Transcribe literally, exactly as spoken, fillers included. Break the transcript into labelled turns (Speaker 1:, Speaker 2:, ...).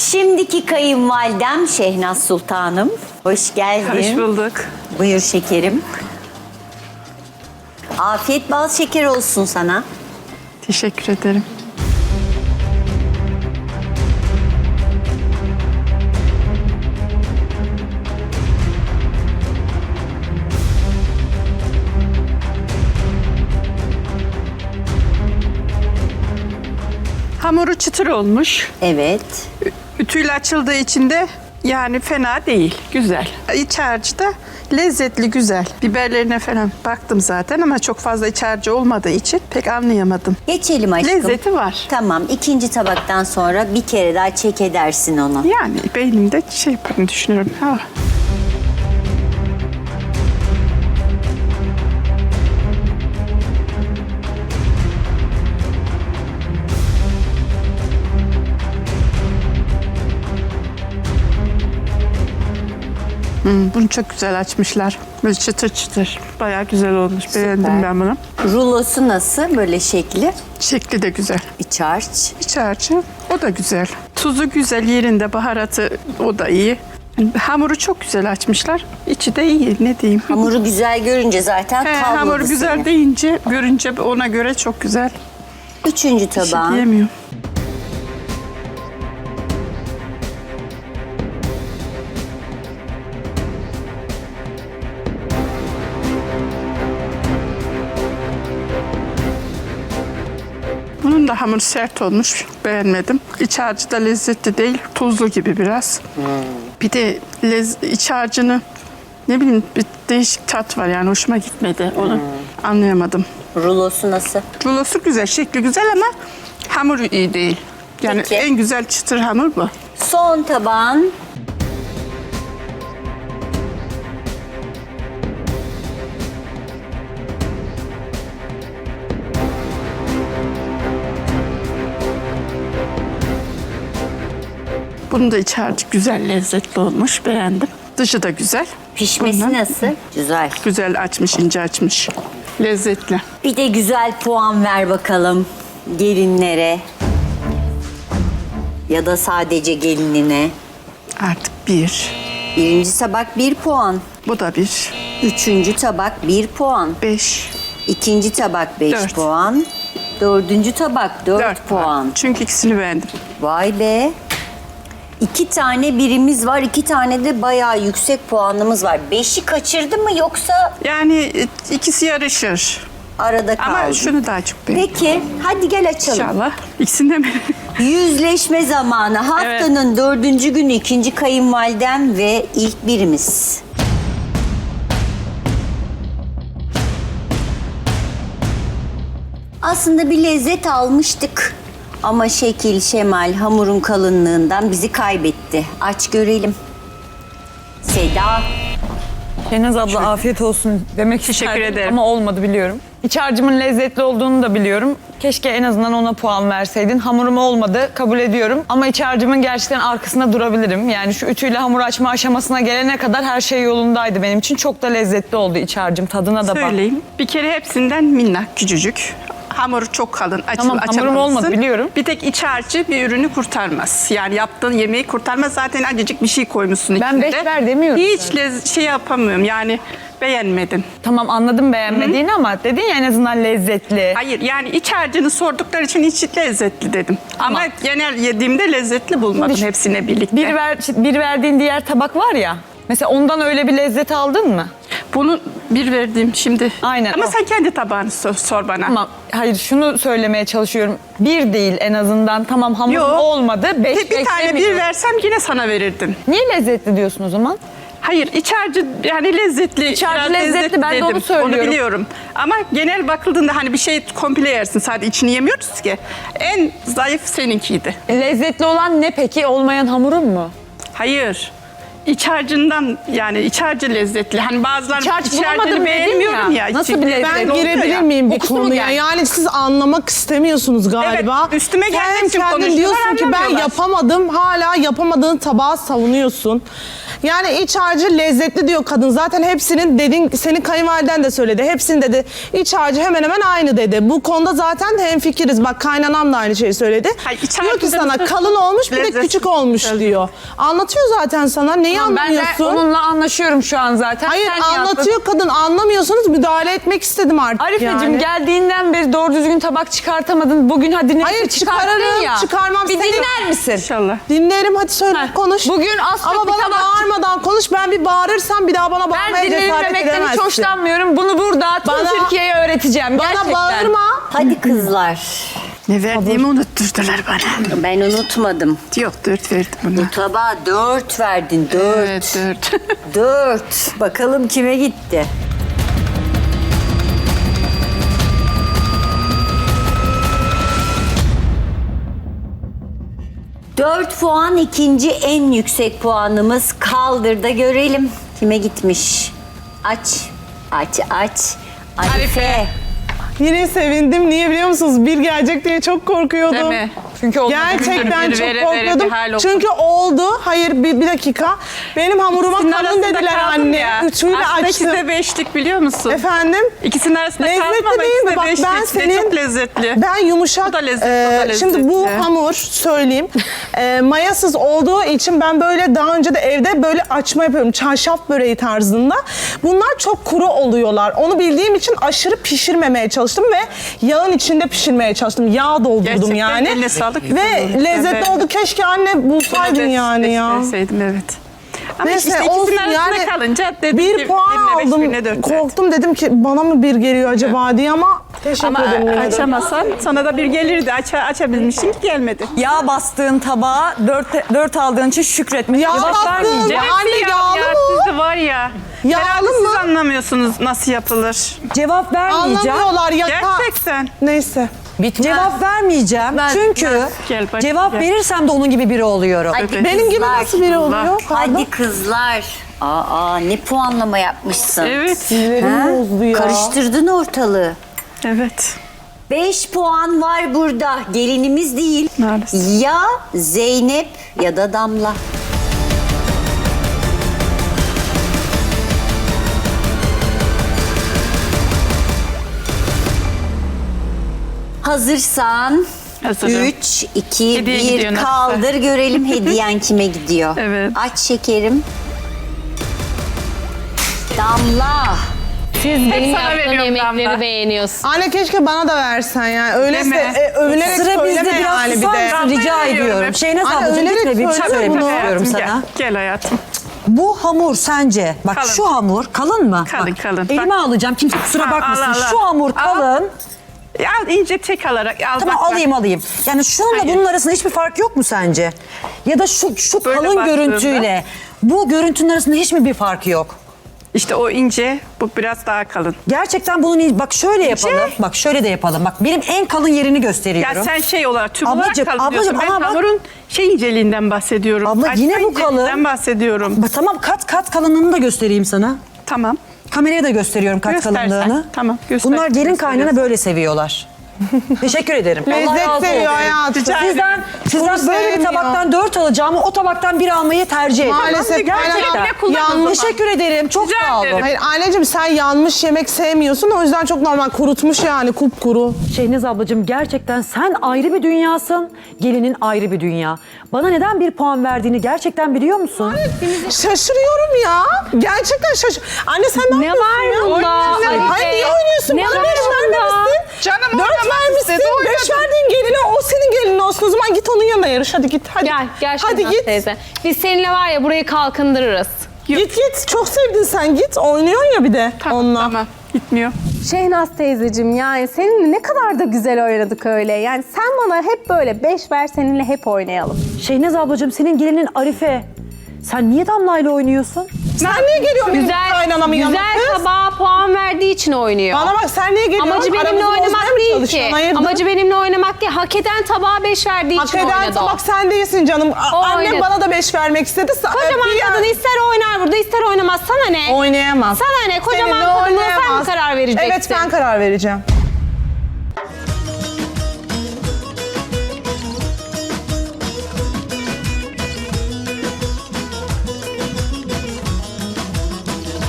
Speaker 1: Şimdiki kayınvalidem Şehnaz Sultanım. Hoş geldin.
Speaker 2: Hoş bulduk.
Speaker 1: Buyur şekerim. Afiyet bal şeker olsun sana.
Speaker 2: Teşekkür ederim. Hamuru çıtır olmuş.
Speaker 1: Evet.
Speaker 2: Ütüyle açıldığı için de yani fena değil. Güzel. İç harcı da lezzetli, güzel. Biberlerine falan baktım zaten ama çok fazla iç harcı olmadığı için pek anlayamadım.
Speaker 1: Geçelim aşkım.
Speaker 2: Lezzeti var.
Speaker 1: Tamam. ikinci tabaktan sonra bir kere daha çek edersin onu.
Speaker 2: Yani beynimde şey yaparım düşünüyorum. Ha. Hmm, bunu çok güzel açmışlar. Böyle çıtır çıtır. Bayağı güzel olmuş. Beğendim ben bunu.
Speaker 1: Rulosu nasıl? Böyle şekli.
Speaker 2: Şekli de güzel.
Speaker 1: İç harç.
Speaker 2: İç harcı o da güzel. Tuzu güzel yerinde, baharatı o da iyi. Hamuru çok güzel açmışlar. İçi de iyi, ne diyeyim.
Speaker 1: Hamuru güzel görünce zaten
Speaker 2: He,
Speaker 1: tavladı
Speaker 2: hamuru güzel
Speaker 1: seni.
Speaker 2: deyince, görünce ona göre çok güzel.
Speaker 1: Üçüncü
Speaker 2: Bir şey
Speaker 1: tabağın.
Speaker 2: diyemiyorum. Bunun da hamuru sert olmuş. Beğenmedim. İç harcı da lezzetli değil. Tuzlu gibi biraz.
Speaker 1: Hmm.
Speaker 2: Bir de lez, iç harcını ne bileyim bir değişik tat var yani hoşuma gitmedi. Onu
Speaker 1: Hmm.
Speaker 2: anlayamadım.
Speaker 1: Rulosu nasıl?
Speaker 2: Rulosu güzel, şekli güzel ama hamuru iyi değil. Yani
Speaker 1: Peki.
Speaker 2: en güzel çıtır hamur bu.
Speaker 1: Son tabağın.
Speaker 2: Bunun da iç harcı güzel, lezzetli olmuş. Beğendim. Dışı da güzel.
Speaker 1: Pişmesi
Speaker 2: Bundan
Speaker 1: nasıl? Güzel.
Speaker 2: Güzel açmış, ince açmış. Lezzetli.
Speaker 1: Bir de güzel puan ver bakalım gelinlere. Ya da sadece gelinine.
Speaker 2: Artık bir.
Speaker 1: Birinci tabak bir puan.
Speaker 2: Bu da bir.
Speaker 1: Üçüncü tabak bir puan.
Speaker 2: Beş.
Speaker 1: İkinci tabak beş
Speaker 2: Dört.
Speaker 1: puan. Dördüncü tabak dört,
Speaker 2: Dört
Speaker 1: puan.
Speaker 2: Çünkü ikisini beğendim.
Speaker 1: Vay be. İki tane birimiz var, iki tane de bayağı yüksek puanımız var. Beşi kaçırdı mı yoksa
Speaker 2: Yani e, ikisi yarışır.
Speaker 1: arada kaldı?
Speaker 2: Ama şunu daha çok beğendim.
Speaker 1: Peki, hadi gel açalım.
Speaker 2: İnşallah. İkisinde mi?
Speaker 1: Yüzleşme zamanı. Haftanın dördüncü günü ikinci kayınvalidem ve ilk birimiz. Aslında bir lezzet almıştık. Ama şekil, şemal, hamurun kalınlığından bizi kaybetti. Aç görelim. Seda.
Speaker 3: Şehnaz abla afiyet olsun demek
Speaker 2: Teşekkür
Speaker 3: isterdim
Speaker 2: ederim.
Speaker 3: ama olmadı biliyorum. İç harcımın lezzetli olduğunu da biliyorum. Keşke en azından ona puan verseydin. Hamurum olmadı, kabul ediyorum. Ama iç harcımın gerçekten arkasında durabilirim. Yani şu ütüyle hamur açma aşamasına gelene kadar her şey yolundaydı benim için. Çok da lezzetli oldu iç harcım. Tadına da bak.
Speaker 2: Söyleyeyim. Bir kere hepsinden minnak, küçücük. Hamuru çok kalın, açıl,
Speaker 3: Tamam, hamurum
Speaker 2: açamazsın.
Speaker 3: olmadı, biliyorum.
Speaker 2: Bir tek iç harcı bir ürünü kurtarmaz. Yani yaptığın yemeği kurtarmaz. Zaten acıcık bir şey koymuşsun
Speaker 3: Ben
Speaker 2: içinde.
Speaker 3: beş ver demiyorum
Speaker 2: Hiç
Speaker 3: zaten.
Speaker 2: lez- şey yapamıyorum yani beğenmedim.
Speaker 3: Tamam anladım beğenmediğini ama dedin ya en azından lezzetli.
Speaker 2: Hayır yani iç harcını sordukları için iç lezzetli dedim. Ama,
Speaker 3: Ama-
Speaker 2: genel yediğimde lezzetli bulmadım
Speaker 3: Şimdi-
Speaker 2: hepsine birlikte.
Speaker 3: Bir, ver, bir verdiğin diğer tabak var ya. Mesela ondan öyle bir lezzet aldın mı?
Speaker 2: Bunu bir verdim şimdi.
Speaker 3: Aynen,
Speaker 2: Ama
Speaker 3: o.
Speaker 2: sen kendi tabağını sor, sor bana.
Speaker 3: Ama hayır şunu söylemeye çalışıyorum. Bir değil en azından. Tamam hamur
Speaker 2: Yok.
Speaker 3: olmadı. Beş
Speaker 2: Bir, bir tane bir
Speaker 3: beklemiyorum.
Speaker 2: versem yine sana verirdim.
Speaker 3: Niye lezzetli diyorsun o zaman?
Speaker 2: Hayır iç harcı yani lezzetli.
Speaker 3: İç harcı
Speaker 2: biraz
Speaker 3: lezzetli, ben de
Speaker 2: dedim.
Speaker 3: onu söylüyorum.
Speaker 2: Onu biliyorum. Ama genel bakıldığında hani bir şey komple yersin. Sadece içini yemiyoruz ki. En zayıf seninkiydi.
Speaker 3: Lezzetli olan ne peki? Olmayan hamurun mu?
Speaker 2: Hayır. İç harcından yani iç harcı lezzetli. Hani bazıları
Speaker 3: İç harç
Speaker 2: iç
Speaker 3: bulamadım
Speaker 2: harcını
Speaker 3: dedin
Speaker 2: beğenmiyorum ya.
Speaker 3: ya. Nasıl
Speaker 2: İçi-
Speaker 3: bir lezzet?
Speaker 4: Ben
Speaker 2: oluyor
Speaker 4: girebilir
Speaker 2: ya.
Speaker 4: miyim bir
Speaker 3: Kokusu mu
Speaker 4: konuya?
Speaker 3: geldi?
Speaker 4: Yani siz anlamak istemiyorsunuz galiba.
Speaker 2: Evet, üstüme gelmek
Speaker 4: Sen
Speaker 2: için
Speaker 4: kendin
Speaker 2: konuşuyorlar,
Speaker 4: diyorsun ki ben
Speaker 2: anlamıyorlar.
Speaker 4: yapamadım. Hala yapamadığın tabağı savunuyorsun. Yani iç harcı lezzetli diyor kadın. Zaten hepsinin dedin, senin kayınvaliden de söyledi. Hepsinin dedi iç harcı hemen hemen aynı dedi. Bu konuda zaten hemfikiriz. Bak kaynanam da aynı şeyi söyledi.
Speaker 2: Hayır, iç
Speaker 4: diyor ki
Speaker 2: harcı
Speaker 4: sana
Speaker 2: da-
Speaker 4: kalın olmuş bir de
Speaker 2: Lezzet-
Speaker 4: küçük olmuş
Speaker 2: Evet.
Speaker 4: diyor. Anlatıyor zaten sana. Neyi
Speaker 3: Ben de
Speaker 4: anlamıyorsun?
Speaker 3: onunla anlaşıyorum şu an zaten.
Speaker 4: Hayır
Speaker 3: Sen niye
Speaker 4: anlatıyor kadın. Anlamıyorsunuz. Müdahale etmek istedim artık
Speaker 3: Arifeciğim
Speaker 4: yani.
Speaker 3: geldiğinden beri doğru düzgün tabak çıkartamadın. Bugün hadi neyse
Speaker 4: Hayır,
Speaker 3: çıkarttın
Speaker 4: çıkarırım,
Speaker 3: ya.
Speaker 4: çıkarmam.
Speaker 3: Bir
Speaker 4: Seni-
Speaker 3: dinler misin?
Speaker 2: İnşallah.
Speaker 4: Dinlerim hadi söyle
Speaker 3: Heh,
Speaker 4: konuş.
Speaker 3: bugün az çok
Speaker 4: Ama
Speaker 3: bir
Speaker 4: bana
Speaker 3: tabak-
Speaker 4: bağırmadan konuş. Ben bir bağırırsam bir daha bana
Speaker 3: Ben
Speaker 4: bağırmaya cesaret
Speaker 3: dinlenmemekten hiç
Speaker 4: edemezsin.
Speaker 3: hoşlanmıyorum. Bunu burada tüm
Speaker 4: Bana-
Speaker 3: Türkiye'ye öğreteceğim.
Speaker 4: Bana
Speaker 3: Gerçekten.
Speaker 4: bağırma.
Speaker 1: Hadi kızlar.
Speaker 2: Ne verdiğimi unutturdular bana.
Speaker 1: Ben unutmadım.
Speaker 2: Yok dört verdim buna.
Speaker 1: Bu tabağa dört verdin. Dört.
Speaker 2: Evet dört.
Speaker 1: Dört. Bakalım kime gitti? Dört puan ikinci en yüksek puanımız. Kaldır da görelim kime gitmiş. Aç, aç, aç. Arife.
Speaker 3: Arife.
Speaker 4: Yine sevindim. Niye biliyor musunuz? Bir gelecek diye çok korkuyordum.
Speaker 2: Değil mi?
Speaker 3: Çünkü olmadı.
Speaker 4: Gerçekten
Speaker 2: Bir
Speaker 4: çok
Speaker 2: vere vere
Speaker 4: korkuyordum.
Speaker 2: bir hal oldu.
Speaker 4: Çünkü oldu. Hayır bir, bir dakika. Benim hamuruma
Speaker 2: İkisinin
Speaker 4: kalın
Speaker 2: arasında
Speaker 4: dediler
Speaker 2: kaldım
Speaker 4: anne.
Speaker 2: ya.
Speaker 4: Üçüyle
Speaker 2: Aslında ikisi
Speaker 4: açtım.
Speaker 2: de beşlik biliyor musun?
Speaker 4: Efendim?
Speaker 2: İkisinin arasında
Speaker 4: Lezzetli
Speaker 2: kaldım ama
Speaker 4: değil
Speaker 2: ikisi
Speaker 4: mi?
Speaker 2: de
Speaker 4: Bak
Speaker 2: beşlik.
Speaker 4: ben
Speaker 2: Ve
Speaker 4: senin-
Speaker 2: çok lezzetli.
Speaker 4: Ben yumuşak.
Speaker 2: O da lezzetli,
Speaker 4: e,
Speaker 2: o da
Speaker 4: Şimdi bu
Speaker 2: lezzetli.
Speaker 4: hamur söyleyeyim. e, mayasız olduğu için ben böyle daha önce de evde böyle açma yapıyorum. Çarşaf böreği tarzında. Bunlar çok kuru oluyorlar. Onu bildiğim için aşırı pişirmemeye çalıştım ve yağın içinde pişirmeye çalıştım. Yağ doldurdum
Speaker 2: Gerçekten
Speaker 4: yani.
Speaker 2: eline sağlık.
Speaker 4: Ve
Speaker 2: Güzel
Speaker 4: lezzetli
Speaker 2: oldu.
Speaker 4: oldu. Keşke anne bulsaydın
Speaker 2: Bunu
Speaker 4: yani ya.
Speaker 2: Deseydim evet. Ama
Speaker 4: Neyse
Speaker 2: işte
Speaker 4: olsun
Speaker 2: ikisinin arasında
Speaker 4: yani
Speaker 2: kalınca dedim
Speaker 4: bir
Speaker 2: ki
Speaker 4: puan
Speaker 2: birine beş,
Speaker 4: aldım.
Speaker 2: birine dört verdim.
Speaker 4: Korktum dedim ki bana mı bir geliyor acaba diye ama teşekkür
Speaker 2: Ama
Speaker 4: ederim. yine de.
Speaker 2: açamasan sana da bir gelirdi. Aç, açabilmişsin ki gelmedi.
Speaker 3: Yağ bastığın tabağa dört, dört aldığın için şükretmek.
Speaker 4: Yağ
Speaker 3: Cevap
Speaker 4: bastığın-
Speaker 3: vermeyeceğim.
Speaker 4: Anne,
Speaker 2: Hepsi
Speaker 4: yağlı
Speaker 2: ya,
Speaker 4: mı?
Speaker 2: Sizi var ya.
Speaker 4: Yağlı
Speaker 2: Herhalde
Speaker 4: mı?
Speaker 2: siz anlamıyorsunuz nasıl yapılır.
Speaker 3: Cevap vermeyeceğim.
Speaker 4: Anlamıyorlar ya.
Speaker 2: Gerçekten.
Speaker 4: Neyse.
Speaker 5: Cevap vermeyeceğim. Çünkü
Speaker 2: Gel bak,
Speaker 5: cevap
Speaker 2: gel.
Speaker 5: verirsem de onun gibi biri oluyorum.
Speaker 1: Hadi
Speaker 4: Benim gibi
Speaker 1: kızlar.
Speaker 4: nasıl biri oluyor? Pardon.
Speaker 1: Hadi kızlar. Aa, ne puanlama yapmışsın.
Speaker 2: Evet.
Speaker 4: Sinirlerim bozdu ya.
Speaker 1: Karıştırdın ortalığı.
Speaker 2: Evet.
Speaker 1: Beş puan var burada. Gelinimiz değil.
Speaker 2: Maalesef.
Speaker 1: Ya Zeynep ya da Damla. Hazırsan
Speaker 2: Hazırım.
Speaker 1: üç, iki,
Speaker 2: Hediye
Speaker 1: bir
Speaker 2: gidiyor nasıl?
Speaker 1: kaldır görelim hediyen kime gidiyor.
Speaker 2: Evet.
Speaker 1: Aç şekerim. Damla.
Speaker 6: Siz benim
Speaker 2: sana
Speaker 6: yaptığım
Speaker 2: veriyorum
Speaker 6: yemekleri
Speaker 2: Damla.
Speaker 6: beğeniyorsun.
Speaker 4: Anne keşke bana da versen yani. Öyleyse
Speaker 2: Deme.
Speaker 4: e, övünerek
Speaker 5: Sıra
Speaker 4: söyleme
Speaker 5: bizde biraz
Speaker 4: yani bir
Speaker 5: susar
Speaker 4: de.
Speaker 5: mısın rica
Speaker 2: Ben
Speaker 5: ediyorum.
Speaker 2: veriyorum.
Speaker 5: Şeynaz
Speaker 4: Anne,
Speaker 5: ablacığım
Speaker 4: önerek
Speaker 5: gitme bir şey
Speaker 4: söyle
Speaker 5: söylemek
Speaker 4: bunu.
Speaker 5: istiyorum
Speaker 2: Hayatım,
Speaker 5: sana.
Speaker 2: Gel, gel hayatım.
Speaker 5: Bu hamur sence, bak
Speaker 2: Kalın.
Speaker 5: şu hamur kalın mı?
Speaker 2: Kalın,
Speaker 5: Bak,
Speaker 2: kalın.
Speaker 5: Elime
Speaker 2: Bak.
Speaker 5: alacağım kimse kusura
Speaker 2: Ha,
Speaker 5: bakmasın.
Speaker 2: al, al, al.
Speaker 5: Şu hamur
Speaker 2: Al.
Speaker 5: kalın.
Speaker 2: Al ince tek alarak al.
Speaker 5: Tamam
Speaker 2: bak, bak.
Speaker 5: alayım alayım. Yani şununla
Speaker 2: Hayır.
Speaker 5: bunun arasında hiçbir fark yok mu sence? Ya da şu şu
Speaker 2: Böyle
Speaker 5: kalın
Speaker 2: baktığında-
Speaker 5: görüntüyle bu görüntünün arasında hiç mi bir fark yok?
Speaker 2: İşte o ince, bu biraz daha kalın.
Speaker 5: Gerçekten bunun iyi- bak şöyle yapalım. Bak şöyle de yapalım. Bak benim en kalın yerini gösteriyorum.
Speaker 2: Ya sen şey olarak, tüm
Speaker 5: Ablacığım,
Speaker 2: olarak kalın diyorsun.
Speaker 5: ablacığım,
Speaker 2: Ben
Speaker 5: ama bak-
Speaker 2: hamurun şey inceliğinden bahsediyorum.
Speaker 5: Abla,
Speaker 2: Açma
Speaker 5: yine bu kalın.
Speaker 2: inceliğinden bahsediyorum.
Speaker 5: Bak, tamam kat kat kalınlığını da göstereyim sana.
Speaker 2: Tamam.
Speaker 5: Kameraya da gösteriyorum kat
Speaker 2: Göstersen.
Speaker 5: kalınlığını.
Speaker 2: Tamam, göster.
Speaker 5: Bunlar gelin
Speaker 2: Gösteriyorsun.
Speaker 5: kaynana böyle seviyorlar. Teşekkür ederim. Allah
Speaker 4: Lezzet
Speaker 5: razı
Speaker 4: seviyor
Speaker 5: olsun.
Speaker 4: hayatım.
Speaker 2: Rica ederim.
Speaker 5: Sizden, sizden
Speaker 4: Bunu
Speaker 5: böyle bir
Speaker 4: sevmiyor.
Speaker 5: tabaktan dört alacağımı o tabaktan bir almayı tercih ederim.
Speaker 4: Maalesef
Speaker 5: Gerçekten.
Speaker 4: kaynanam
Speaker 2: kullan o
Speaker 4: yanlış.
Speaker 2: zaman.
Speaker 5: Teşekkür ederim. Çok
Speaker 2: Rica
Speaker 5: sağ olun.
Speaker 2: ederim.
Speaker 4: Hayır anneciğim sen yanmış yemek sevmiyorsun o yüzden çok normal kurutmuş yani kupkuru.
Speaker 5: Şehnaz ablacığım gerçekten sen ayrı bir dünyasın. Gelinin ayrı bir dünya. Bana neden bir puan verdiğini gerçekten biliyor musun?
Speaker 4: Şaşırıyorum ya. Gerçekten şaşır. Anne sen ne,
Speaker 6: Ne
Speaker 4: yapıyorsun
Speaker 6: var
Speaker 4: ya?
Speaker 6: bunda?
Speaker 4: Oynuyorsun.
Speaker 6: Hadi
Speaker 4: Hayır
Speaker 6: be.
Speaker 4: niye oynuyorsun?
Speaker 6: Ne
Speaker 4: Bana
Speaker 6: var
Speaker 4: beş
Speaker 6: bunda?
Speaker 4: vermemişsin.
Speaker 2: Canım
Speaker 4: Dört
Speaker 2: oynamak
Speaker 4: vermişsin.
Speaker 2: istedi,
Speaker 4: Beş
Speaker 2: oynadı.
Speaker 4: verdiğin geline o senin gelinin olsun. O zaman git onun yanına yarış. Hadi git. Hadi.
Speaker 6: Gel, gel
Speaker 4: Hadi
Speaker 6: Şehnaz
Speaker 4: git.
Speaker 6: teyze. Biz seninle var ya burayı kalkındırırız.
Speaker 4: Git git. Çok sevdin sen. Git. Oynuyorsun ya bir de
Speaker 2: Tamam,
Speaker 4: onunla.
Speaker 2: tamam. Gitmiyor.
Speaker 7: Şehnaz teyzeciğim yani seninle ne kadar da güzel oynadık öyle. Yani sen bana hep böyle beş ver seninle hep oynayalım.
Speaker 5: Şehnaz ablacığım senin gelinin Arife. Sen niye Damla'yla oynuyorsun?
Speaker 4: Sen niye geliyorsun benim
Speaker 6: Güzel,
Speaker 4: kaynanamın yanına
Speaker 6: güzel
Speaker 4: kız?
Speaker 6: tabağa puan verdiği için oynuyor.
Speaker 4: Bana bak sen niye geliyorsun?
Speaker 6: Amacı benimle
Speaker 4: Aramızı
Speaker 6: oynamak
Speaker 4: bozmaya mı
Speaker 6: değil
Speaker 4: çalışıyorsun?
Speaker 6: ki.
Speaker 4: Hayırdır?
Speaker 6: Amacı benimle oynamak değil. Hak eden tabağa beş verdiği
Speaker 4: Hak
Speaker 6: için
Speaker 4: eden
Speaker 6: oynadı o.
Speaker 4: tabak sen değilsin canım. A-
Speaker 6: O
Speaker 4: Annem
Speaker 6: oynadı.
Speaker 4: bana da beş vermek istedi. Sa-
Speaker 6: Kocaman
Speaker 4: bir yer-
Speaker 6: kadın ister oynar burada ister oynamaz. Sana ne?
Speaker 4: Oynayamaz.
Speaker 6: Sana ne? Kocaman
Speaker 4: Seninle
Speaker 6: kadına sen mi
Speaker 4: oynayamaz.
Speaker 6: karar vereceksin?
Speaker 4: Evet ben karar vereceğim.